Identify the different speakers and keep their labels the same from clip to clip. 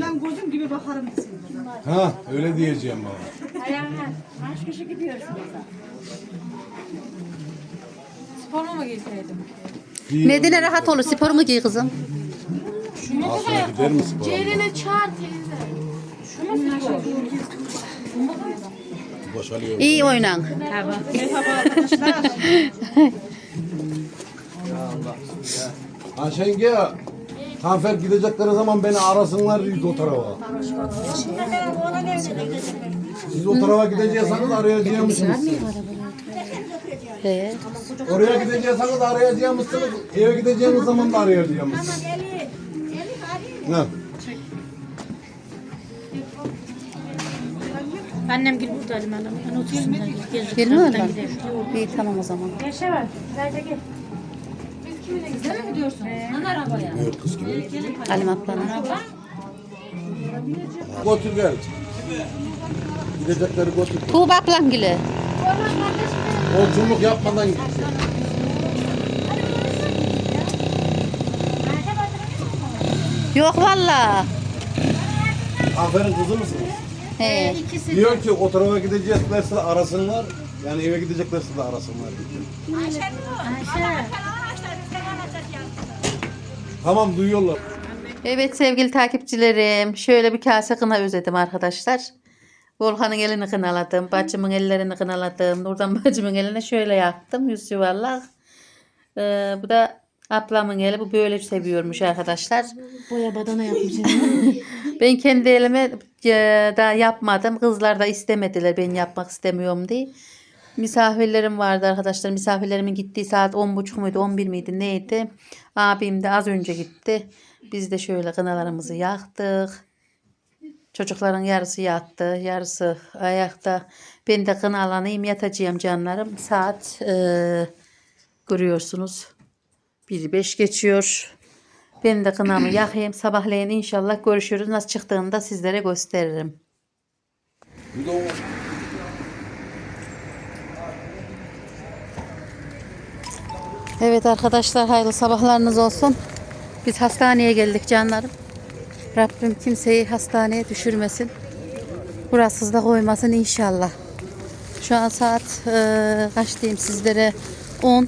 Speaker 1: Ben gözüm gibi bakarım desin.
Speaker 2: Ha öyle diyeceğim bana.
Speaker 3: Ayağına kaç kişi gidiyorsunuz da?
Speaker 4: Spor mu giyseydim?
Speaker 5: Medine rahat olur. Spor mu giy kızım?
Speaker 2: Aslında gider mi spor?
Speaker 4: Ceren'e çağır teyze.
Speaker 2: Boşalıyor.
Speaker 5: İyi oynan.
Speaker 1: Merhaba arkadaşlar.
Speaker 2: Ayşenge, Hanfer gidecekleri zaman beni arasınlar ilk o tarafa. Siz o tarafa gidecekseniz arayacağımsınız.
Speaker 5: He.
Speaker 2: Oraya gidecekseniz arayacağımsınız. Eve gideceğiniz zaman da arayacağımsınız. Ne?
Speaker 3: Annem gel burada Halim Hanım. Ben oturayım da gel.
Speaker 5: Gelmiyor mu? İyi tamam o zaman.
Speaker 3: Yaşa var. Sadece gel.
Speaker 4: Sen mi gidiyorsun? Lan arabaya.
Speaker 2: Yok kız gibi.
Speaker 5: Halim ablanın.
Speaker 2: Götür gel. Gidecekleri götür.
Speaker 5: Tuğba ablam gülü.
Speaker 2: Yolculuk yapmadan git.
Speaker 5: Yok valla.
Speaker 2: Aferin kızı mısınız?
Speaker 5: He.
Speaker 2: Diyor ki o tarafa gideceklerse de arasınlar. Yani eve gideceklerse de arasınlar. Diyor.
Speaker 3: Ayşe.
Speaker 2: Tamam duyuyorlar.
Speaker 5: Evet sevgili takipçilerim. Şöyle bir kase kına özledim arkadaşlar. Volkan'ın elini kınaladım. Bacımın ellerini kınaladım. Nurdan bacımın eline şöyle yaptım. Yüz yuvarlak. Bu da ablamın eli. Bu böyle seviyormuş arkadaşlar.
Speaker 3: Boya badana yapmış.
Speaker 5: Ben kendi elime daha yapmadım. Kızlar da istemediler ben yapmak istemiyorum diye. Misafirlerim vardı arkadaşlar. Misafirlerimin gittiği saat 10.30 muydu 11 miydi neydi. Abim de az önce gitti. Biz de şöyle kınalarımızı yaktık. Çocukların yarısı yattı. Yarısı ayakta. Ben de kınalanayım yatacağım canlarım. Saat görüyorsunuz. 1:05 geçiyor. Ben de kınamı yakayım. Sabahleyin inşallah görüşürüz. Nasıl çıktığını da sizlere gösteririm.
Speaker 2: Bir de o
Speaker 5: Evet arkadaşlar hayırlı sabahlarınız olsun. Biz hastaneye geldik canlarım. Rabbim kimseyi hastaneye düşürmesin. Burasız da koymasın inşallah. Şu an saat kaç diyeyim sizlere 10.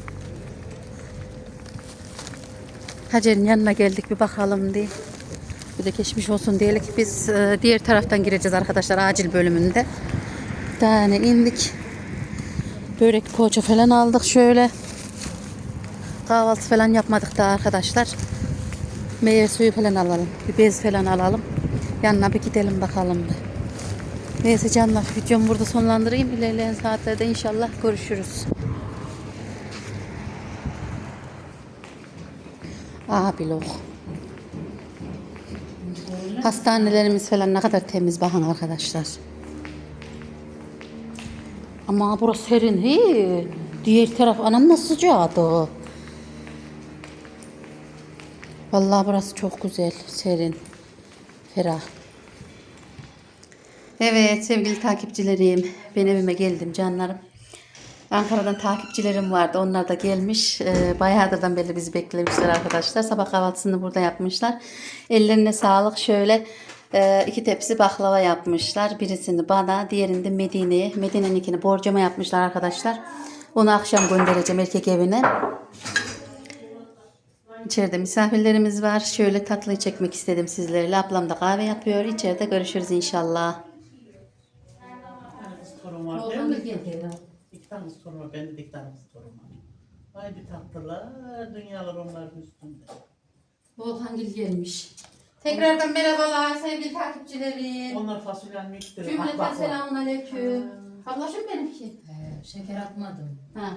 Speaker 5: Hacer'in yanına geldik bir bakalım diye. Bir de geçmiş olsun diyelim. Biz diğer taraftan gireceğiz arkadaşlar acil bölümünde. Bir tane indik. Börek poğaça falan aldık şöyle. Kahvaltı falan yapmadık daha arkadaşlar. Meyve suyu falan alalım. Bir bez falan alalım. Yanına bir gidelim bakalım. Neyse canlar videomu burada sonlandırayım. İlerleyen saatlerde inşallah görüşürüz. Bilok. Hastanelerimiz falan ne kadar temiz bakın arkadaşlar. Ama burası serin. He. Diğer taraf anam nasıl sıcaktı. Vallahi burası çok güzel, serin, ferah. Evet sevgili takipçilerim, ben evime geldim canlarım. Ankara'dan takipçilerim vardı, onlar da gelmiş. Bayağıdan beri bizi beklemişler arkadaşlar. Sabah kahvaltısını burada yapmışlar. Ellerine sağlık. Şöyle 2 tepsi baklava yapmışlar. Birisini bana, diğerini de Medine'ye. Medine'ninkini borcama yapmışlar arkadaşlar. Onu akşam göndereceğim erkek evine. İçeride misafirlerimiz var. Şöyle tatlıyı çekmek istedim sizlerle. Ablam da kahve yapıyor. İçeride görüşürüz inşallah.
Speaker 6: Torun var değil mi? İki tane torun var. Bende de iki tane torun var. Haydi tatlılar. Dünyalar onların üstünde.
Speaker 5: Volkan gelmiş. Tekrardan merhabalar sevgili takipçilerim.
Speaker 6: Onlar fasulyenin miktarı.
Speaker 5: Cümleten selamun aleyküm. Ablaşım benimki.
Speaker 4: Şeker atmadım.
Speaker 5: Ha.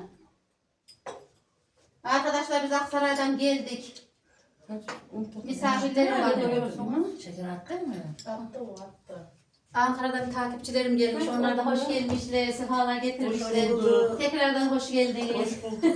Speaker 5: Arkadaşlar biz Aksaray'dan geldik. Misafirlerim var görüyorsunuz.
Speaker 4: Şeker attın mı?
Speaker 6: Attı o attı.
Speaker 5: Ankara'dan takipçilerim gelmiş. Onlar da hoş gelmişler. Sefalar getirmişler.
Speaker 6: Hoş bulduk.
Speaker 5: Tekrardan hoş geldiniz.
Speaker 6: Hoş bulduk.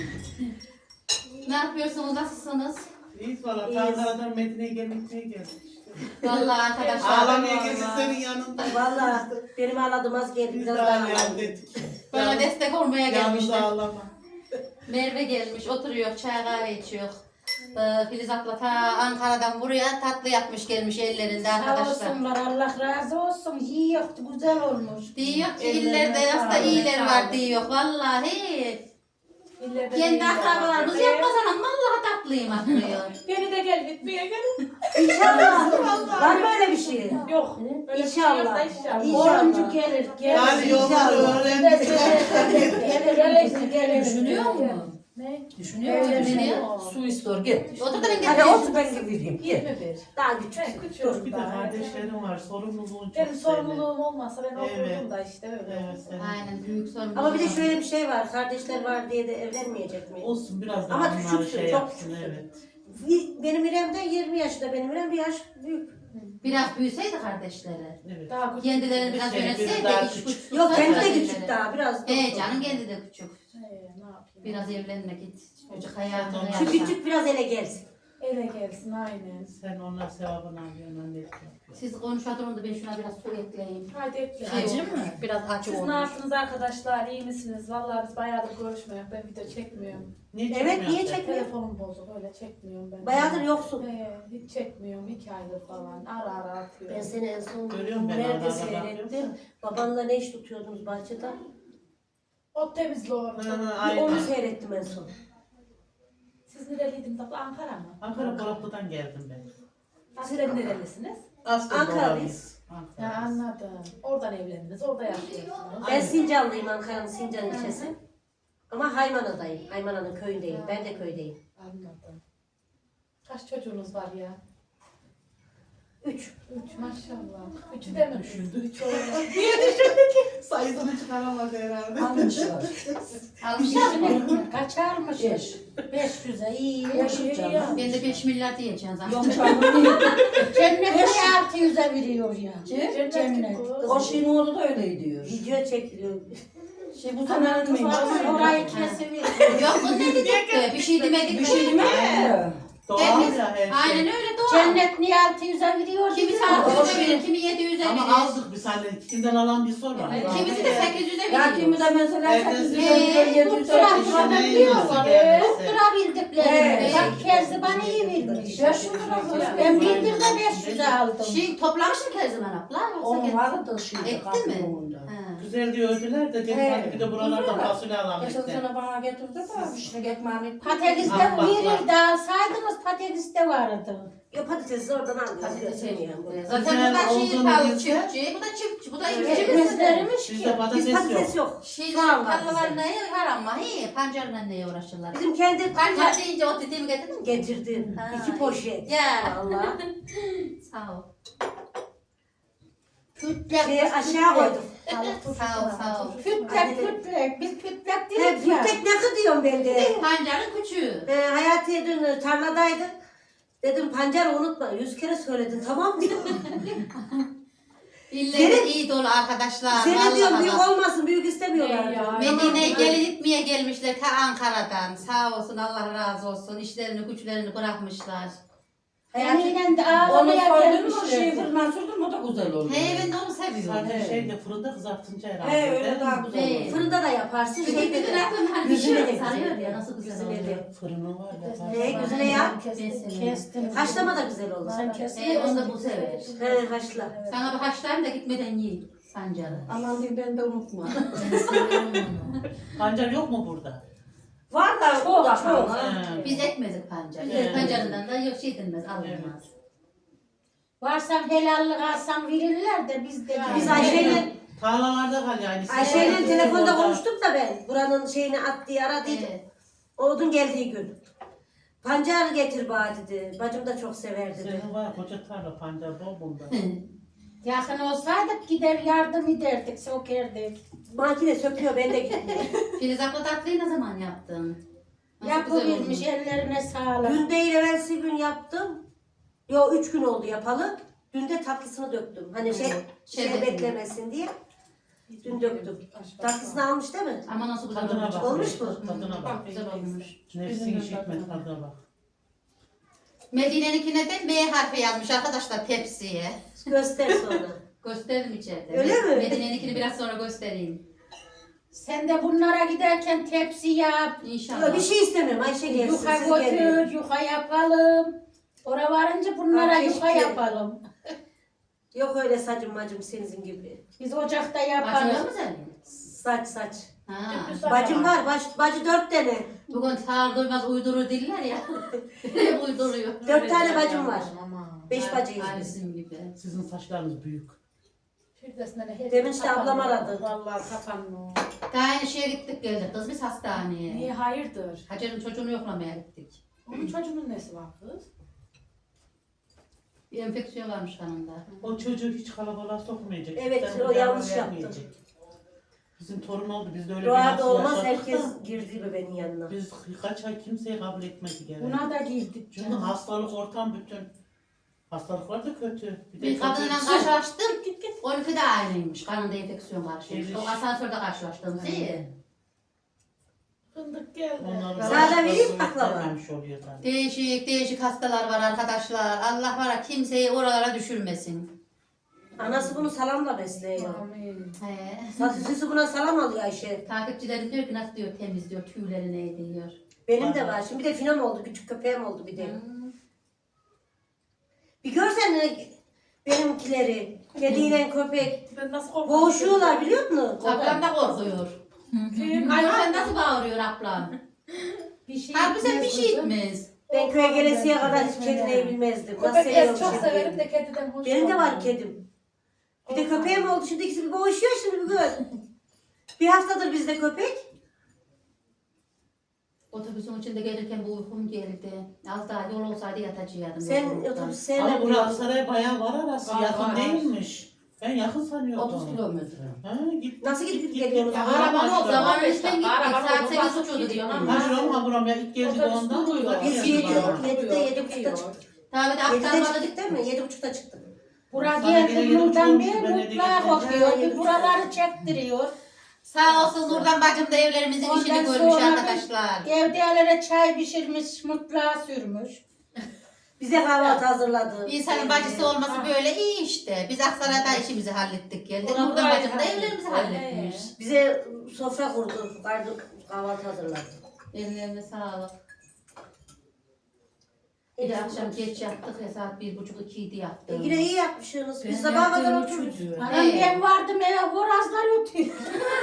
Speaker 5: Ne yapıyorsunuz? Nasılsınız?
Speaker 6: İyiyiz valla. Ankara'dan Medine'ye geldik işte.
Speaker 5: Vallahi arkadaşlar.
Speaker 6: Ağlamaya geldik senin yanında.
Speaker 7: Vallahi benim ağladım az geldi.
Speaker 6: Biz
Speaker 7: Biraz
Speaker 6: de
Speaker 7: daha
Speaker 6: ağlayalım
Speaker 7: ağladım.
Speaker 6: dedik.
Speaker 5: Böyle destek olmaya
Speaker 6: Yalnız
Speaker 5: gelmişler.
Speaker 6: ağlama.
Speaker 5: Merve gelmiş, oturuyor, çay kahve içiyor. Filiz abla ta Ankara'dan buraya tatlı yapmış gelmiş ellerinde
Speaker 3: Sağ
Speaker 5: arkadaşlar.
Speaker 3: olsunlar, Allah razı olsun. Yiyor, güzel olmuş.
Speaker 5: Diyor ki illerde aslında iyiler var diyor. Vallahi. Kendi akrabalarımız yapmaz anam. Vallahi tatlıyım diyor.
Speaker 4: Beni de gel gitmeye gel.
Speaker 7: İnşallah. Var mı öyle bir şey?
Speaker 4: Yok. Öyle bir şey yok da
Speaker 7: İnşallah.
Speaker 4: inşallah.
Speaker 3: Oyuncu gelir, gelir.
Speaker 6: Yani yolları öğrendik.
Speaker 3: Gelir.
Speaker 5: Düşünüyor mu?
Speaker 4: Ne?
Speaker 5: Düşünüyor mu? Ne diyor?
Speaker 8: Su istiyor git.
Speaker 5: Otur da ben
Speaker 8: Hadi
Speaker 5: getireyim.
Speaker 8: otur ben gideyim. Git.
Speaker 4: 21.
Speaker 7: Daha küçük.
Speaker 4: Ben küçüğüm
Speaker 6: Bir de
Speaker 4: daha.
Speaker 6: kardeşlerim var. Sorumluluğun çok
Speaker 4: Benim sorumluluğum olmasa ben
Speaker 6: Evet.
Speaker 4: okurdum da işte öyle.
Speaker 6: Evet, senin.
Speaker 5: Aynen büyük sorun.
Speaker 7: Ama bir de şöyle bir şey var. Kardeşler var diye de evlenmeyecek mi?
Speaker 6: Olsun biraz daha
Speaker 7: Ama
Speaker 6: onlar
Speaker 7: küçüksün,
Speaker 6: şey
Speaker 7: çok
Speaker 6: yapsın,
Speaker 7: küçüksün.
Speaker 6: evet.
Speaker 7: Benim İrem'den 20 yaşında. Benim İrem bir yaş büyük.
Speaker 5: Biraz büyüseydi kardeşleri.
Speaker 6: Evet.
Speaker 4: Daha küçük.
Speaker 5: Kendilerini biraz
Speaker 6: Bir şey,
Speaker 5: yönetseydi.
Speaker 6: biri daha
Speaker 5: iş
Speaker 6: küçük.
Speaker 5: güç
Speaker 7: Yok
Speaker 5: tutsa
Speaker 7: kendi de
Speaker 5: kardeşleri.
Speaker 7: küçük daha. Biraz.
Speaker 5: Canım kendi de küçük.
Speaker 4: Ne yapayım?
Speaker 5: Biraz evlenmek git. Çocuk hayatını
Speaker 6: Şu
Speaker 7: Şu
Speaker 5: yaşa.
Speaker 7: küçük biraz ele gelsin.
Speaker 4: Eve gelsin aynen.
Speaker 6: Sen onlar sevabını alıyorsun annelik yapıyorsun.
Speaker 5: Siz konuşalım da ben şuna biraz su ekleyeyim.
Speaker 4: Haydi ekle.
Speaker 5: Acı mı? Biraz acı
Speaker 4: Siz ne
Speaker 5: olmuş.
Speaker 4: yaptınız arkadaşlar? İyi misiniz? Vallahi biz bayağıdır görüşmüyoruz. Ben video çekmiyorum.
Speaker 6: Niye
Speaker 7: Evet
Speaker 6: çekmiyorsun
Speaker 7: niye
Speaker 6: sen?
Speaker 7: çekmiyor?
Speaker 4: Telefonum bozuk. Öyle çekmiyorum ben.
Speaker 7: Bayağıdır yoksun.
Speaker 4: Hiç çekmiyorum. 2 aydır falan. Ara ara atıyorum.
Speaker 7: Ben seni en son
Speaker 6: Görüyorum ben,
Speaker 7: nerede
Speaker 6: arada
Speaker 7: seyrettim?
Speaker 6: bakıyorum.
Speaker 7: Babanla ne iş tutuyordunuz bahçede?
Speaker 4: Ot temizli orada.
Speaker 6: Hı,
Speaker 7: Bir
Speaker 6: aynen.
Speaker 7: onu seyrettim en son.
Speaker 4: Siz nereliydiniz abla? Ankara mı?
Speaker 6: Ankara Polatlı'dan geldim ben.
Speaker 4: Siz nerelisiniz?
Speaker 6: Aslında
Speaker 7: Ankaralıyız.
Speaker 4: Ya
Speaker 6: Ankaralıyız.
Speaker 4: anladım. Oradan evlendiniz. Orada yaşıyorsunuz.
Speaker 7: Ben Sincanlıyım, Ankara'nın Sincan ilçesi. Ama Haymana'dayım. Haymana'nın köyündeyim. Ben de köydeyim.
Speaker 4: Anladım. Kaç çocuğunuz var ya?
Speaker 7: 3.
Speaker 4: 3 maşallah. 3'ü de mi?
Speaker 6: Düşündü.
Speaker 4: 3 olarak.
Speaker 6: Sayısını çıkaramadı herhalde.
Speaker 8: Almışlar.
Speaker 5: Almışlar mı?
Speaker 3: Kaç almış? 500'e iyi.
Speaker 5: Ben de 5 milyar diyeceğim zaten.
Speaker 8: Yok canım.
Speaker 3: Cennet 600'e veriyor ya.
Speaker 4: Cennet.
Speaker 8: O şeyin oğlu da öyle diyor.
Speaker 7: Video çekiliyor.
Speaker 8: Şey bu senenin miymiş?
Speaker 3: Orayı kesiveriyor.
Speaker 5: Yok o ne dedik? Bir şey demedik.
Speaker 8: Bir şey demedi.
Speaker 6: Doğal ya her şey.
Speaker 5: Aynen öyle doğru.
Speaker 3: Cennet niye 600'e veriyor?
Speaker 5: Kimisi 600'e verir, kimi 700'e
Speaker 6: Ama
Speaker 5: verir.
Speaker 6: aldık biz hani kimden alan bir sor var.
Speaker 5: Kimisi de 800'e
Speaker 8: Ya kimi
Speaker 5: veriyor.
Speaker 8: de mesela
Speaker 6: Evet.
Speaker 8: 800 veriyor, 700 veriyor.
Speaker 3: Tutturabildiklerini. Bak Kerziban iyi vermiş. Ben bindir de 500'e aldım.
Speaker 5: Şey toplamışsın Kerziman abla.
Speaker 8: Onun vardı şimdi
Speaker 5: Etti mi?
Speaker 8: kapının.
Speaker 5: Ha.
Speaker 6: Güzel diye öldüler de dedim hadi bir de buralarda fasulye alalım
Speaker 8: Geçen
Speaker 6: işte.
Speaker 8: sene bana getirdi de işte ekmeğini.
Speaker 3: Patates'te
Speaker 6: Ah, bak,
Speaker 3: verir de alsaydınız patates'te vardı.
Speaker 7: Ya patatesi oradan alıyoruz.
Speaker 5: Patates
Speaker 7: Götürmüyorum.
Speaker 5: Zaten
Speaker 6: Güzel
Speaker 5: bu da şey
Speaker 6: olduğunu
Speaker 5: pahalı
Speaker 6: bilse-
Speaker 5: çiftçi, bu da çiftçi, bu da çiftçi.
Speaker 3: Ekmezlermiş
Speaker 6: Bizde
Speaker 3: ki.
Speaker 7: Biz
Speaker 6: patates yok.
Speaker 7: patates yok.
Speaker 5: Şey
Speaker 7: Soğan var
Speaker 5: tarlalar
Speaker 7: bizde.
Speaker 5: neye var ama he, pancarla neye uğraşırlar.
Speaker 7: Bizim kendi
Speaker 5: Pancar deyince o dediğimi getirdin mi?
Speaker 7: getirdim.
Speaker 5: Ha.
Speaker 7: 2 poşet.
Speaker 5: Ya.
Speaker 7: Valla.
Speaker 5: Sağ ol.
Speaker 7: Şeyi aşağı koydum.
Speaker 5: Sağ ol, sağ ol.
Speaker 3: Kütlek kütlek. Biz kütlek
Speaker 7: He,
Speaker 3: değiliz ya.
Speaker 7: büyük ne diyorum ben de.
Speaker 5: Pancarın küçüğü.
Speaker 7: Hayatiye dün tarladaydık. Dedim pancarı unutma. 100 kere söyledin tamam mı?
Speaker 5: İlleri iyi dolu arkadaşlar.
Speaker 7: Seni diyorum
Speaker 5: vallahi
Speaker 7: büyük
Speaker 5: bak.
Speaker 7: olmasın. Büyük istemiyorlar.
Speaker 4: Ne ya?
Speaker 5: Medine'ye gelin gitmeye gelmişler ta Ankara'dan. Sağ olsun Allah razı olsun. İşlerini güçlerini bırakmışlar.
Speaker 3: Yine de
Speaker 8: Onu
Speaker 3: ağlamaya
Speaker 8: soydun mu şey
Speaker 3: gelmişler.
Speaker 8: fırına sürdün mü o da güzel oluyor.
Speaker 5: He ben de onu seviyorum.
Speaker 6: Sadece şeyde fırında kızartınca herhalde.
Speaker 8: He öyle
Speaker 6: değil
Speaker 8: daha
Speaker 6: mi?
Speaker 8: güzel
Speaker 5: He.
Speaker 8: oluyor.
Speaker 7: Fırında da yaparsın.
Speaker 5: Şeyde
Speaker 7: Şeyde
Speaker 5: de
Speaker 7: de.
Speaker 5: hani
Speaker 7: Yüzüne de
Speaker 5: pişiyor, sarıyor
Speaker 7: güzel.
Speaker 5: ya nasıl güzel
Speaker 7: Yüzüne
Speaker 5: oluyor.
Speaker 7: de.
Speaker 6: Fırını var yapar.
Speaker 7: Güzine yap.
Speaker 3: Kestim.
Speaker 7: Haşlama da güzel olur.
Speaker 3: Sen kestin.
Speaker 5: Onu da bu sever.
Speaker 7: He haşla.
Speaker 5: Sana bir haşlayayım da gitmeden yiyin pancarı.
Speaker 8: Aman diyeyim ben de unutma.
Speaker 5: Ben seviyorum onu.
Speaker 6: Pancar yok mu burada?
Speaker 8: Var da çok çok.
Speaker 6: He.
Speaker 5: Biz ekmezik pancar.
Speaker 6: Evet.
Speaker 5: Pancarından da yok şey edilmez, alınmaz.
Speaker 3: Varsan helallik alsan verirler de biz de.
Speaker 7: Biz Ayşe'yle
Speaker 6: Tarlalarda kal yani.
Speaker 7: Ayşe'yle telefonda konuştuk da ben. Buranın şeyini at diye aradıydım.
Speaker 5: Evet.
Speaker 7: Odun geldiği gün. Pancar getir bana dedi. Bacım da çok sever dedi.
Speaker 6: Senin var koca tarla pancar bol bunda.
Speaker 3: Yakın olsaydık gider yardım ederdik, sokerdik.
Speaker 7: Makine söküyor ben de gitmiyorum.
Speaker 5: Filiz abla tatlıyı ne zaman yaptın? Nasıl güzel
Speaker 3: Yapıvermiş,
Speaker 5: olmuş.
Speaker 3: ellerine sağlık.
Speaker 7: Dün değil evvelsi gün yaptım. Yo 3 gün oldu yapalı. Dün de tatlısını döktüm. Hani şey beklemesin diye. Dün döktüm. Tatlısını almış değil mi?
Speaker 5: Ama nasıl güzel
Speaker 6: Tadına
Speaker 5: olmuş.
Speaker 6: bak.
Speaker 7: Olmuş mu?
Speaker 6: Tadına bak.
Speaker 5: Çok güzel olmuş.
Speaker 6: Nefsin işitme tadına bak.
Speaker 5: Medine'ninkine de M harfi yazmış arkadaşlar tepsiye.
Speaker 7: Göster sonra.
Speaker 5: Gösteririm içeride.
Speaker 7: Öyle mi?
Speaker 5: Medine'ninkini biraz sonra göstereyim.
Speaker 3: Sen de bunlara giderken tepsi yap.
Speaker 5: İnşallah.
Speaker 7: Yok, bir şey istemiyorum. Ayşe gelsin.
Speaker 3: Yuka
Speaker 7: Siz gelin.
Speaker 3: götür, yuka yapalım. Oraya varınca bunlara
Speaker 7: Ha,
Speaker 3: yuka
Speaker 7: keşke.
Speaker 3: yapalım.
Speaker 7: Yok öyle sacım macım senin gibi.
Speaker 3: Biz ocakta
Speaker 5: Başlıyor
Speaker 3: yapalım.
Speaker 5: mu senin?
Speaker 7: Saç.
Speaker 5: Ha.
Speaker 7: Bacım var. Bacı 4 tane.
Speaker 5: Bugün sağır duymaz uydurur diller ya. Hep uyduruyor.
Speaker 7: 4 tane bacım var. 5 bacıyız
Speaker 5: Aynı
Speaker 7: biz.
Speaker 5: bizim gibi.
Speaker 6: Sizin saçlarınız büyük.
Speaker 7: Demin işte ablam aradı.
Speaker 4: Vallahi kapanma.
Speaker 5: Daha aynı şeye gittik geldik kız biz hastaneye.
Speaker 4: Niye hayırdır?
Speaker 5: Hacer'in çocuğunu yoklamaya gittik.
Speaker 4: Onun çocuğunun nesi var kız?
Speaker 5: Bir enfeksiyon varmış kanında.
Speaker 6: O çocuğu hiç kalabalığa sokmayacak.
Speaker 7: Evet,
Speaker 6: Sen
Speaker 7: o
Speaker 6: bunu
Speaker 7: yanlış
Speaker 6: vermeyecek.
Speaker 7: yaptı.
Speaker 6: Bizim torun oldu. Biz de öyle
Speaker 7: Doğada
Speaker 6: nasıl
Speaker 7: olmaz.
Speaker 6: yaşadık
Speaker 7: Herkes
Speaker 6: da,
Speaker 7: girdi bebeğin yanına.
Speaker 6: Biz kaç ay kimseyi kabul etmedi gene.
Speaker 3: Buna da girdik.
Speaker 6: Çünkü hastalık ortam bütün. Hastalıklar da kötü. Bir de
Speaker 5: Bir kadınla
Speaker 6: çocuk-
Speaker 5: karşılaştım. 12 de aynıymış. Kanında enfeksiyon varmış.
Speaker 6: Evet.
Speaker 5: O asansörde karşılaştım. İyi.
Speaker 4: Fındık geldi.
Speaker 6: Onların
Speaker 7: Sana da vereyim
Speaker 6: hastalığı
Speaker 7: baklava.
Speaker 6: vermemiş oluyor zaten.
Speaker 5: Değişik hastalar var arkadaşlar. Allah var ya kimseyi oralara düşürmesin.
Speaker 7: Anası bunu salamla besliyor.
Speaker 4: Amin.
Speaker 5: He.
Speaker 7: Sesi buna salam alıyor Ayşe.
Speaker 5: Takipçilerim diyor ki nasıl diyor temiz diyor tüyleri ne diyor.
Speaker 7: Benim de var. Şimdi bir de finom oldu. Küçük köpeğim oldu bir de. Bir görsen benimkileri. Kediyle köpek.
Speaker 4: Ben nasıl korkuyorum?
Speaker 7: Boğuşuyorlar biliyor musun?
Speaker 5: Ablam da korkuyor. Ay sen nasıl bağırıyor ablam?
Speaker 3: Bir şey
Speaker 5: Harbi sen bir
Speaker 3: etmez
Speaker 5: şey
Speaker 3: kızım.
Speaker 5: etmez.
Speaker 7: Ben köye gelesiye kadar hiç kedineyi bilmezdim. Nasıl
Speaker 4: Köpek
Speaker 7: seviyorum
Speaker 4: çok
Speaker 7: şimdi.
Speaker 4: severim de kediden hoş
Speaker 7: Benim de var
Speaker 4: olmam.
Speaker 7: kedim. Bir de köpeğim oldu. Şimdi ikisi bir boğuşuyor şimdi bir gör. Bir haftadır bizde köpek.
Speaker 5: Otobüsün içinde gelirken bu uykum geldi. Az daha yol olsaydı yatacaktım.
Speaker 7: Sen
Speaker 5: yolculukta.
Speaker 7: otobüs
Speaker 6: Ama
Speaker 7: sevmedin.
Speaker 6: burası Aksaray'a bayağı var arası.
Speaker 4: Var,
Speaker 6: Yakın
Speaker 4: var.
Speaker 6: değilmiş. Ben yakın sanıyordum.
Speaker 8: 30 kilometre.
Speaker 6: Ha, git.
Speaker 7: Nasıl gidip geliyorsunuz?
Speaker 6: Ya,
Speaker 5: Arabanın o
Speaker 6: Arabanın
Speaker 5: zaman
Speaker 4: beş
Speaker 5: işten
Speaker 4: dakika,
Speaker 5: gittik.
Speaker 4: arabanın
Speaker 5: Saat 8
Speaker 4: basıp
Speaker 5: uçuyordu
Speaker 4: gidiyor
Speaker 5: diyorum.
Speaker 4: ama.
Speaker 6: Ha buram ya ilk geldi de
Speaker 4: Otobüs
Speaker 6: ondan.
Speaker 4: duruyor.
Speaker 7: Biz
Speaker 6: Bakıyorum
Speaker 7: 7'de
Speaker 6: bana.
Speaker 7: 7.30'da çıktık.
Speaker 5: Tabii de
Speaker 7: 7'de
Speaker 5: aktarmalı
Speaker 7: çıktık
Speaker 5: gittik.
Speaker 7: değil mi? 7.30'da çıktık.
Speaker 3: Bura
Speaker 6: Sana
Speaker 3: geldi
Speaker 6: gene
Speaker 3: buradan
Speaker 6: yolcu
Speaker 3: bir
Speaker 6: olmuş, ben de
Speaker 3: mutlağa
Speaker 6: gideceğim.
Speaker 3: kokuyor. Bir buraları çektiriyor.
Speaker 5: Sağ olsun Nurdan bacım da evlerimizin
Speaker 3: Ondan
Speaker 5: işini görmüş
Speaker 3: sonra
Speaker 5: arkadaşlar.
Speaker 3: Evdelere çay pişirmiş, mutlağa sürmüş.
Speaker 7: Bize kahvaltı hazırladı.
Speaker 5: İnsanın bacısı olması böyle iyi işte. Biz Aksaray'da işimizi hallettik geldik.
Speaker 4: Ona
Speaker 5: Nurdan
Speaker 4: burayı
Speaker 5: bacım da
Speaker 4: hallettik.
Speaker 5: evlerimizi halletmiş.
Speaker 7: Bize sofra kurdu. Kahvaltı hazırladı.
Speaker 5: Ellerine sağlık. Bir de akşam geç yattık ya saat 1.30-2'ydi yattım.
Speaker 7: Yine iyi yapmışsınız. Biz sabaha kadar oturduk.
Speaker 3: Anam ben vardım eve horazlar ötüyor.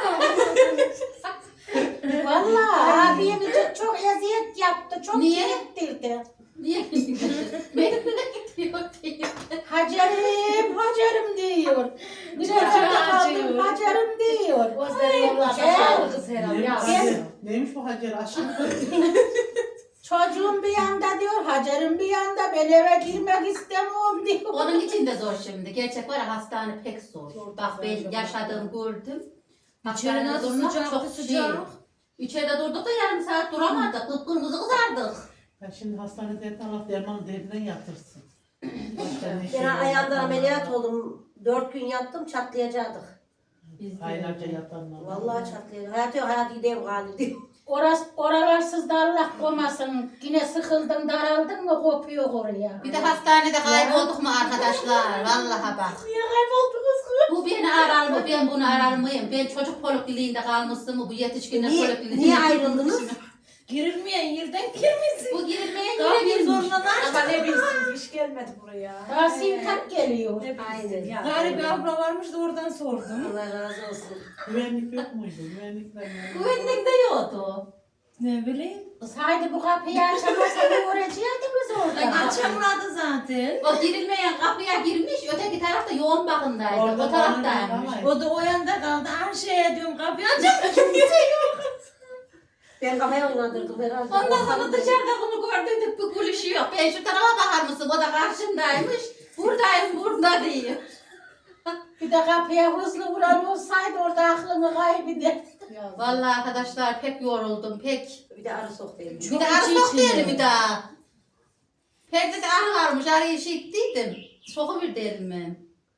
Speaker 3: Vallahi abim çok eziyet yaptı. Çok
Speaker 5: Niye?
Speaker 3: çektirdi.
Speaker 5: Niye? Benimle gidiyor diyor.
Speaker 3: Hacerim diyor. Bir
Speaker 4: Çok
Speaker 3: yerde
Speaker 4: acıyor.
Speaker 3: kaldım Hacerim diyor.
Speaker 4: Gözleri yollarda
Speaker 3: Gel.
Speaker 4: sağlı kız herhalde.
Speaker 6: Neymiş,
Speaker 4: Ya.
Speaker 6: Hacer? Neymiş bu Hacer aşkım?
Speaker 3: Çocuğum bir yanda diyor, Hacerim bir yanda, ben eve girmek istemiyorum diyor.
Speaker 5: Onun için de zor şimdi. Gerçek var ya hastane pek zor. Bak ben yaşadığım gördüm.
Speaker 8: İçeri nasıl
Speaker 5: durmak
Speaker 8: sıcaktı, sıcak.
Speaker 5: İçeride durduk da yarım saat duramadık. Kıpkırmızı kızardık.
Speaker 6: Ben şimdi hastanede Allah derman derinden yatırsın. Başka ne şey
Speaker 7: Ben
Speaker 6: yok.
Speaker 7: ayağımdan ameliyat oldum. 4 gün yattım çatlayacaktık.
Speaker 5: Biz de
Speaker 6: Aylarca yatanlar.
Speaker 7: Vallahi çatlayacak. Hayat gideyim galiba diyor.
Speaker 3: Oralarsız da Allah koymasın. Yine sıkıldın, daraldın mı kopuyor oraya.
Speaker 5: Bir de hastanede kaybolduk mu arkadaşlar? Vallahi bak.
Speaker 4: Niye kayboldunuz kız?
Speaker 5: Bu beni arar mı? Ben bunu arar mıyım? Ben çocuk polikliniğinde kalmıştım mı? Bu yetişkinler
Speaker 7: Niye
Speaker 5: polikliniğinde.
Speaker 7: ayrıldınız?
Speaker 8: Girilmeyen yerden girmesin.
Speaker 5: Bu girilmeye
Speaker 8: Kapıyı
Speaker 5: giremiyormuş.
Speaker 8: zorla
Speaker 4: Ama ne bilsin hiç gelmedi buraya.
Speaker 3: Daha sintak geliyor.
Speaker 4: Ne bilsin
Speaker 7: Aynen.
Speaker 4: ya.
Speaker 8: Gari bir abla varmış da oradan sordum.
Speaker 7: Allah razı olsun.
Speaker 6: Güvenlik yok muydu? Güvenlikler yani.
Speaker 5: Güvenlik de yoktu.
Speaker 8: Ne bileyim.
Speaker 3: Kız haydi bu kapıyı açamazsan uğraşacaktınız orada.
Speaker 8: Açamadı zaten.
Speaker 5: O girilmeyen kapıya girmiş, öteki tarafta yoğun bakımdaydı.
Speaker 6: Orada
Speaker 5: O taraftaymış.
Speaker 8: O da o yanda kaldı. Her şeye diyorum kapıyı açamadım.
Speaker 7: Ben kafaya oynadırdım herhalde.
Speaker 5: Ondan sonra dışarıda bunu gördük, bir gülüşüyor. Ben şu tarafa bakar mısın? O da karşımdaymış. Buradayım, burada diyor.
Speaker 3: Bir de kapıya hızlı vuran olsaydı orada aklını kaybeder.
Speaker 5: Vallahi arkadaşlar pek yoruldum, pek.
Speaker 7: Bir de arı soktu elime.
Speaker 5: Bir de arı soktu elimi daha. Perdede arı varmış, arıyı işittiydim. Sokuverdi elime.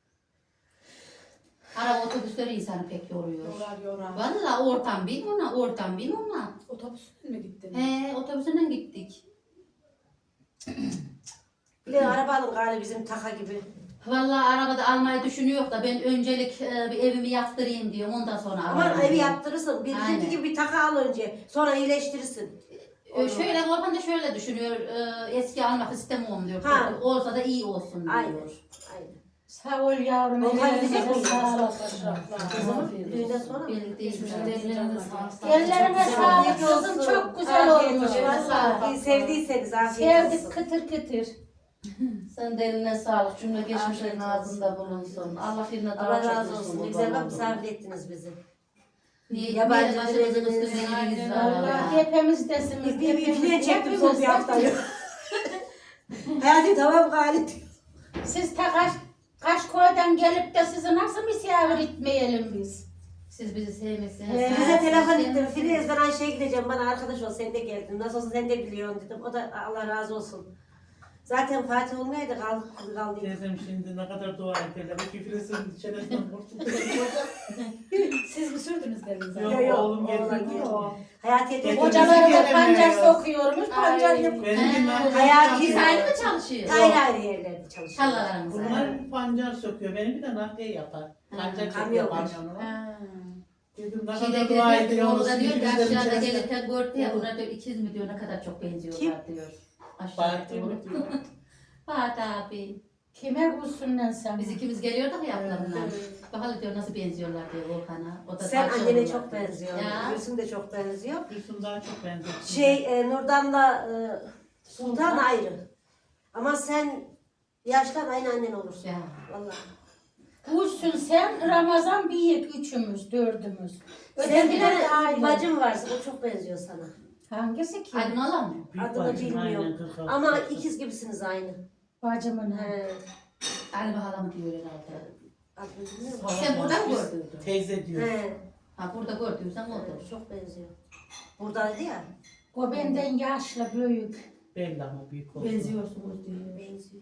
Speaker 5: Araba otobüsleri insanı pek yoruyor.
Speaker 4: Yorar.
Speaker 5: Vallahi oradan bin ona.
Speaker 4: Otobüsle mi gittin?
Speaker 5: He, otobüsünden gittik.
Speaker 7: Bir de araba alın galiba bizim taka gibi.
Speaker 5: Vallahi arabada almayı düşünüyor da ben öncelik bir evimi yaptırayım diyorum ondan sonra
Speaker 7: Aman
Speaker 5: alırım
Speaker 7: evi
Speaker 5: diyorum.
Speaker 7: yaptırırsın.
Speaker 5: Aynen.
Speaker 7: Bizimki gibi bir taka al önce. Sonra iyileştirirsin.
Speaker 5: Şöyle Volkan da şöyle düşünüyor. Eski almak istemiyorum diyor.
Speaker 7: Ha.
Speaker 5: Olsa da iyi olsun diyor.
Speaker 7: Aynen. Aynen.
Speaker 3: Sağ ol yavrum.
Speaker 7: Volkan
Speaker 3: ellerine
Speaker 7: gidecek mi?
Speaker 3: sağlık.
Speaker 7: Düğünden sonra mı?
Speaker 5: Belli değil.
Speaker 3: Ellerine sağlık kızım, çok güzel olmuş vallahi.
Speaker 7: İyi sevdiyseniz afiyet
Speaker 3: Sevdik
Speaker 7: olsun.
Speaker 3: kıtır kıtır.
Speaker 5: Sen de eline sağlık. Cümle geçmişlerin ağzında bulunsun. Allah birine daha
Speaker 7: Allah
Speaker 5: çok
Speaker 7: razı
Speaker 5: versin
Speaker 7: olsun.
Speaker 5: bu
Speaker 7: Ne güzel bak
Speaker 5: babamdan.
Speaker 7: misafir ettiniz bizi.
Speaker 5: Niye?
Speaker 7: Yabancı
Speaker 5: Yabancı başımızın
Speaker 7: dilleriniz,
Speaker 5: üstüne iyiliğiniz var.
Speaker 3: Vallahi
Speaker 5: Allah.
Speaker 3: hepimizdesiniz.
Speaker 7: Bir ipliğe çektim son bir
Speaker 3: hepimiz.
Speaker 7: haftayı. Hayatım tamam Galit.
Speaker 3: Siz ta kaç koydan gelip de sizi nasıl misafir etmeyelim biz?
Speaker 5: Siz bizi sevmesiniz.
Speaker 7: Bize telefon ettim. Filiz ben Ayşe'ye gideceğim. Bana arkadaş ol. Sen de geldin. Nasıl olsa sen de biliyorsun dedim. O da Allah razı olsun. Zaten Fatih olmayaydı kaldı.
Speaker 6: Teyzem şimdi ne kadar dua ederler. Bu küfresin çenesinden kurtuldu.
Speaker 4: Siz mi sürdünüz dediniz?
Speaker 7: Yok, yok.
Speaker 6: Oğlum
Speaker 7: Oğlan
Speaker 6: getirdi
Speaker 7: geldi.
Speaker 6: o.
Speaker 7: Hayatiye
Speaker 6: Getirdi.
Speaker 7: teyze.
Speaker 3: Hocaları da
Speaker 6: Gelemiyor
Speaker 3: pancar
Speaker 6: ya.
Speaker 3: sokuyormuş, pancar yapıyor.
Speaker 6: Benim
Speaker 7: Hayati-
Speaker 5: Biz ayrı mı çalışıyor?
Speaker 7: Ayrı ayrı yerlerde çalışıyor.
Speaker 5: Tarlalarımız ayrı.
Speaker 6: Bunlar pancar söküyor. Benim bir de nakliye yapar. Pancar
Speaker 7: kamyon
Speaker 6: çekiyor
Speaker 7: var.
Speaker 6: kamyonu.
Speaker 4: Ha.
Speaker 6: Dedim ne
Speaker 5: Şeyde
Speaker 6: kadar dua
Speaker 5: gelirken
Speaker 6: ediyorsunuz.
Speaker 5: oğlu da diyor ki
Speaker 6: Bizlerin
Speaker 5: aşağıda
Speaker 6: içerisinde.
Speaker 5: gelirken gördü ya bunlar diyor ikiz mi diyor ne kadar çok benziyorlar diyor. Aşağıda
Speaker 6: Fatih mi
Speaker 5: doğru.
Speaker 6: diyor?
Speaker 5: Fatih abi.
Speaker 3: Kime gülsün lan sen?
Speaker 5: Biz ikimiz geliyorduk ya ablamla. Bakalım diyor nasıl benziyorlar diyor Volkan'a. O da
Speaker 7: Sen
Speaker 5: saçlı
Speaker 7: annene
Speaker 5: olan
Speaker 7: çok
Speaker 5: diyor.
Speaker 7: benziyor.
Speaker 5: Ya.
Speaker 7: Gülsüm de çok benziyor.
Speaker 6: Gülsüm daha çok benziyor.
Speaker 7: Nurdan'la Sultan ayrı. Ama sen yaştan aynı annen olursun.
Speaker 5: Ya.
Speaker 7: Vallahi.
Speaker 3: Gülsün sen, Ramazan büyük, üçümüz, dördümüz.
Speaker 7: Senin bir
Speaker 3: Ötekiler de
Speaker 7: tane
Speaker 3: ayrı.
Speaker 7: bacın varsa o çok benziyor sana.
Speaker 3: Hangisi ki?
Speaker 5: Aydın alan mı?
Speaker 6: Büyük
Speaker 7: Adını
Speaker 6: bacım, aynen,
Speaker 7: bilmiyorum.
Speaker 6: 46.
Speaker 7: Ama ikiz gibisiniz aynı.
Speaker 3: Bacımın ha.
Speaker 7: He.
Speaker 5: Galiba halamı diyor herhalde.
Speaker 7: Adını bilmiyorum.
Speaker 5: Sen burada mı gördün?
Speaker 6: Teyze diyor.
Speaker 7: He.
Speaker 5: Ha burada gördüysen odur.
Speaker 7: Çok benziyor. Buradaydı ya.
Speaker 3: O benden yaşlı, büyük.
Speaker 6: Belli ama büyük olsun.
Speaker 5: Benziyorsunuz diyor.
Speaker 7: Benziyor.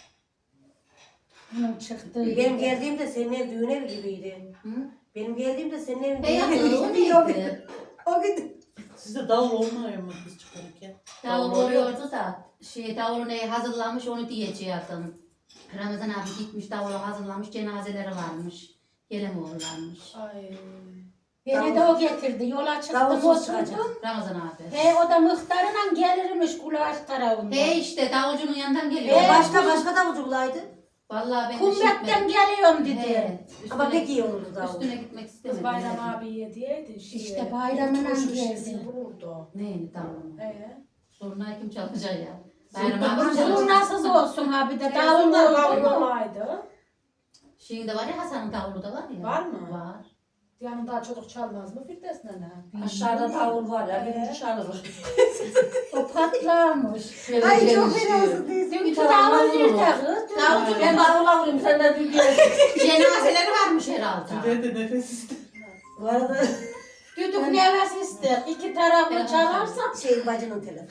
Speaker 3: Bunun çıktığı.
Speaker 7: Benim geldiğimde senin ev düğün evi gibiydi.
Speaker 5: Hı?
Speaker 7: Benim geldiğimde senin evin düğün
Speaker 5: Beyaz
Speaker 7: evi
Speaker 5: o
Speaker 7: gibiydi. O gün.
Speaker 5: neydi?
Speaker 7: O gün.
Speaker 6: Sizde davul olmuyor mu biz çıkarırken?
Speaker 5: Davul oluyordu da davulu neyi hazırlamış onu diyecektim. Ramazan abi gitmiş davulu hazırlamış cenazeleri varmış. Gelemiyorlarmış.
Speaker 4: Ay.
Speaker 3: Beni de o getirdi. Yola çıktım,
Speaker 7: Davulsuz çıkacak.
Speaker 3: oturdum.
Speaker 5: Ramazan abi.
Speaker 3: O da muhtarıyla gelirmiş kulaç tarafından.
Speaker 5: İşte davulcunun yanından geliyor.
Speaker 7: Başka davulcu bulaydı.
Speaker 5: Vallahi ben de
Speaker 3: Kumbetten geliyorum dedi.
Speaker 5: He,
Speaker 7: Ama
Speaker 5: üstüne-
Speaker 7: pek iyi olurdu davul.
Speaker 5: Üstüne gitmek
Speaker 4: Kız
Speaker 5: istemedim.
Speaker 4: Bayram abiye diyeydi.
Speaker 3: İşte bayramına geldi.
Speaker 4: Vururdu.
Speaker 5: Neyini tamam. Sorunayı kim çalacak ya? Bayram abi çalacak.
Speaker 3: Zurnasız olsun abi de
Speaker 4: Davullar
Speaker 3: davul oldu.
Speaker 4: kavurmamaydı.
Speaker 5: Şimdi var ya Hasan'ın davulu da var ya.
Speaker 4: Var mı?
Speaker 5: Var.
Speaker 4: Yanında çocuk çalmaz mı Firdevs nene?
Speaker 8: Aşağıda davul var ya. Bir çalır.
Speaker 3: O patlamış.
Speaker 7: Ay çok fena olsun teyze.
Speaker 3: Dünkü davul nerede kız?
Speaker 8: Davulcu ben davula vurayım sen de bir gel.
Speaker 5: Cenazeleri varmış herhalde.
Speaker 6: Sizde de nefes ister.
Speaker 7: Bu arada
Speaker 3: Düdük nefes ister. İki taraflı çalarsa.
Speaker 7: bacının telefonu.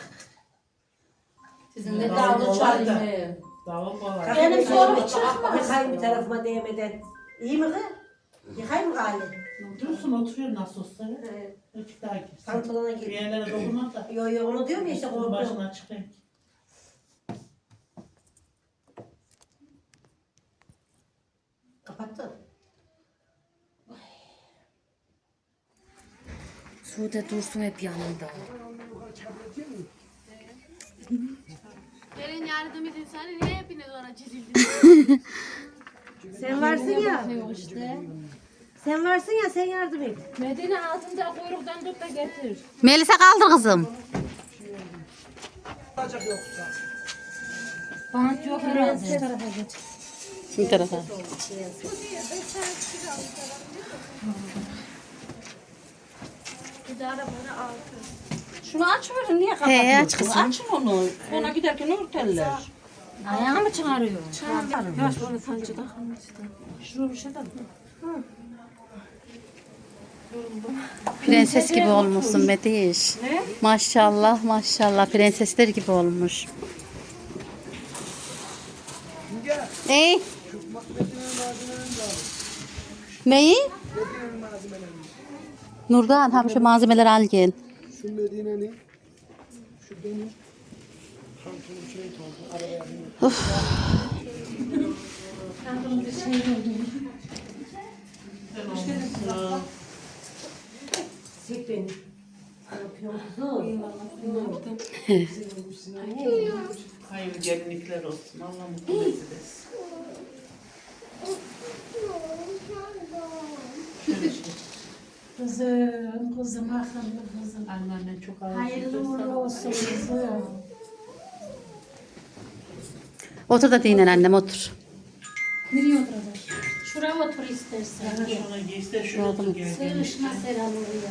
Speaker 5: Sizin de
Speaker 6: Davul
Speaker 8: Davulu
Speaker 6: kolay da.
Speaker 8: çalayım.
Speaker 6: Davul kolay.
Speaker 3: Benim sorum çıkmaz.
Speaker 7: Yıkayım bir tarafıma değmeden. İyi mi kız? Yıkayım mı gali?
Speaker 6: Dursun oturuyor nasıl olsa.
Speaker 7: He.
Speaker 6: Ötük daha girsin.
Speaker 7: Pantolona
Speaker 6: Bir
Speaker 7: gir.
Speaker 6: yerlere dokunma da.
Speaker 7: Yo onu diyorum ya işte
Speaker 6: Üstünün
Speaker 7: korkuyorum.
Speaker 6: başına çıkayım.
Speaker 7: Kapattın.
Speaker 5: Sude Dursun hep yanında.
Speaker 9: Gelin yardım edin sana niye hepiniz ona çizildiniz?
Speaker 7: Sen varsın ya. Sen varsın ya sen yardım et.
Speaker 8: Medine altında kuyruktan tut da getir.
Speaker 5: Melisa kaldı kızım.
Speaker 3: Bant yok herhalde.
Speaker 5: Bu tarafa.
Speaker 9: Bir de arabanı altı.
Speaker 8: Şunu açıverin niye kapatıyorsun?
Speaker 5: He aç kızım.
Speaker 8: Açın onu. Ona giderken örterler.
Speaker 3: Ayağı mı çağırıyor?
Speaker 8: Yaş böyle sancı da şunu bir şey de.
Speaker 5: Prenses gibi olmuşsun Mediş. Maşallah maşallah prensesler gibi olmuş. Ey. Neyi? Nurdan hem şu malzemeleri al gel.
Speaker 2: Şu Medine'nin şu benim pantolonum şey oldu. Arabaya bindim.
Speaker 7: Sek beni. Ne yapıyorsun kuzum?
Speaker 6: Hayırlı gelinlikler olsun. Allah mutlu mesut etsin. Şöyle şey.
Speaker 8: Kızım akıllı kızım.
Speaker 6: Anneannen çok ağır.
Speaker 8: Hayırlı uğurlu olsun kızım.
Speaker 5: Otur da dinlen annem otur.
Speaker 8: Nereye oturacak? Şuraya otur istersen.
Speaker 6: Şuna geçti, şuraya otur gel.
Speaker 8: Sığışma Seren oraya.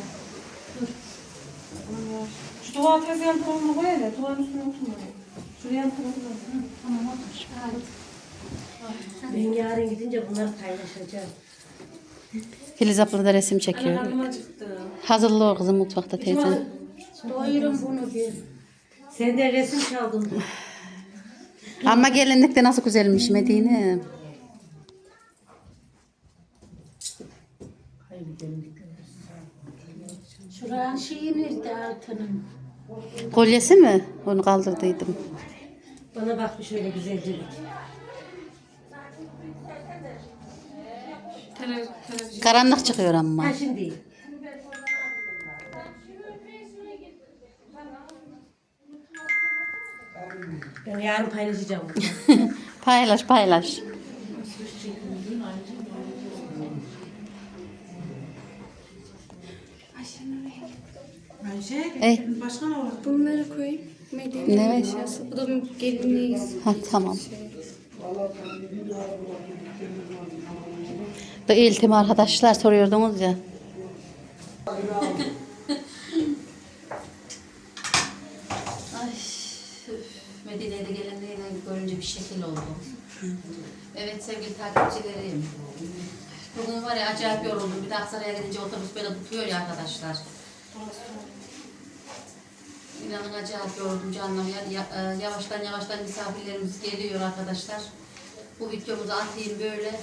Speaker 1: Şu duvar tez yan tarafına koy hele. Duvarın üstüne oturma. Şuraya yan tarafına.
Speaker 8: Tamam otur. Hadi.
Speaker 7: Ben yarın gidince bunları paylaşacağım.
Speaker 5: Filiz abla da resim çekiyor.
Speaker 1: Karnım acıktı.
Speaker 5: Hazırlı o kızım mutfakta teyze.
Speaker 8: Doyurun bunu bir.
Speaker 7: Senden resim çaldım.
Speaker 5: Ama gelinlik de nasıl güzelmiş Medine.
Speaker 6: Hayırlı gelinlikler olsun.
Speaker 8: Şuranın şeyi nerede altının?
Speaker 5: Kolyesi mi? Onu kaldırdıydım.
Speaker 7: Bana bak bir şöyle güzelcelik.
Speaker 1: Televizyon.
Speaker 5: Karanlık çıkıyor ama.
Speaker 7: Ha şimdi değil. Ben yarın paylaşacağım bunu.
Speaker 5: Paylaş paylaş.
Speaker 1: Ayşe,
Speaker 5: Ey.
Speaker 1: başka ne var?
Speaker 9: Bunları koyayım. Medine
Speaker 5: Ne?
Speaker 9: eşyası. Bu da gelinliğiz.
Speaker 5: Ha tamam. Da iltim arkadaşlar soruyordunuz ya. Ay, Medine'de gelinliğini görünce bir şekil oldu. Evet sevgili takipçilerim. Bugün var ya acayip yoruldum. Bir de Aksaray'a gidince otobüs böyle tutuyor ya arkadaşlar. İnanın acayip yoruldum canım. Yavaştan yavaştan misafirlerimiz geliyor arkadaşlar. Bu videomuzu atayım böyle.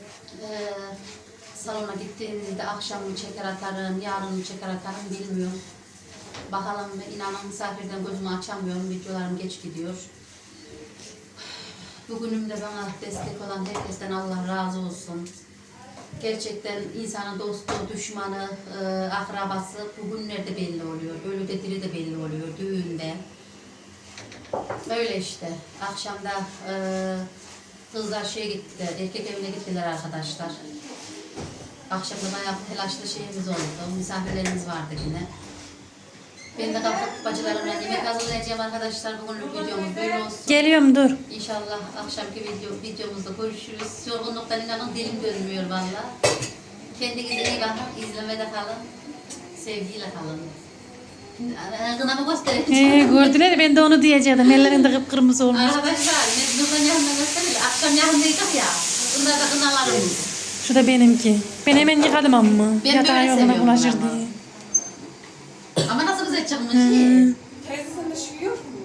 Speaker 5: Salona gittiğimizde akşam mı çeker atarım, yarın mı çeker atarım bilmiyorum. Bakalım, inanın misafirden gözümü açamıyorum. Videolarım geç gidiyor. Bugünümde bana destek olan herkesten Allah razı olsun. Gerçekten insanın dostu, düşmanı, akrabası bugünlerde belli oluyor. Ölüde diri de belli oluyor, düğünde. Öyle işte. Akşamda kızlar şeye gittiler, erkek evine gittiler arkadaşlar. Akşamda bayağı telaşlı şeyimiz oldu. Misafirlerimiz vardı yine. Ben de kalkıp bacılarımla yemek hazırlayacağım arkadaşlar. Bugünlük videomuz böyle olsun.
Speaker 8: Geliyorum dur.
Speaker 5: İnşallah akşamki videomuzda görüşürüz. Yorgunluktan inanın dilim dönmüyor valla. Kendinize iyi bakın, izlemede kalın. Sevgiyle kalın. Kınamı göstereyim.
Speaker 8: Gördüler ya ben de onu diyecektim. Ellerinde kıpkırmızı olmuş.
Speaker 5: Arkadaşlar, Nurdan yanına gösterelim. Akşam yanındaydık ya. Bunlar da kınalarımız.
Speaker 8: Şu da benimki. Ben hemen yıkadım ama.
Speaker 5: Ben
Speaker 8: Yatağa
Speaker 5: böyle
Speaker 8: yorguna
Speaker 5: seviyorum
Speaker 8: bulaşır
Speaker 5: ama.
Speaker 8: diye.
Speaker 5: Ama nasıl güzel çıkmış.
Speaker 1: Teyze sen de şu yiyor mu?